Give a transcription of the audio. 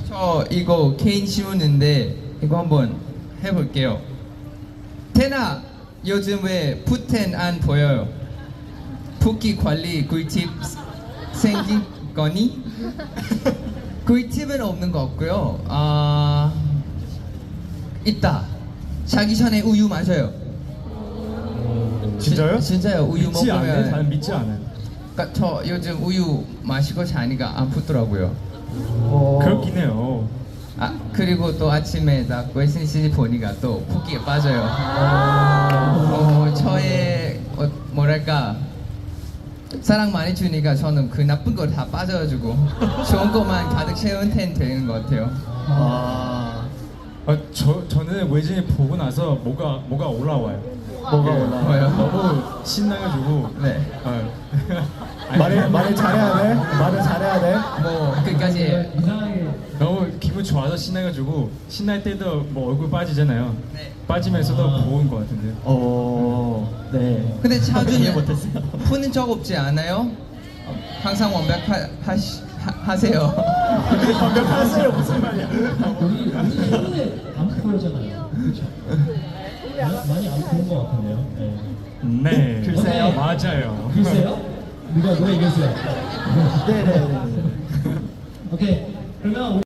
저 이거 개인 씌우는데 이거 한번 해볼게요. 태나 요즘 왜 푸텐 안 보여요? 붓기 관리 꿀팁 생긴 거니? 꿀팁은 없는 것 같고요. 있다. 자기 전에 우유 마셔요. 진짜요? 진짜요. 우유 믿지 않아요? 먹으면. 나는 믿지 않아요. 그러니까 저 요즘 우유 마시고 자니까 안 붓더라고요. 그렇긴 해요. 그리고 또 아침에 딱 웨스니시 보니까 또 붓기에 빠져요. 저의 뭐랄까 사랑 많이 주니까 저는 그 나쁜 걸 다 빠져가지고 좋은 것만 가득 채운 텐 되는 것 같아요. 저는 외진이 보고 나서 뭐가 올라와요. 뭐가 올라와요? 너무 신나가지고. 네. 말을 잘해야 돼? 말을 잘해야 돼? 뭐 끝까지. 너무 기분 좋아서 신나가지고 신날 때도 뭐 얼굴 빠지잖아요. 네. 빠지면서도 보은 것 같은데. 네. 근데 차준이 이해 못했어요. 푸는 적 없지 않아요? 항상 완벽하세요. 완벽하세요 무슨 말이야? 우리 최근에 암스터잖아요. 그렇죠? 많이 안 보는 것 같은데요. 네. 네. 글쎄요. 맞아요. 글쎄요? 누가 얘기했어요? 네네네. 오케이. 그러면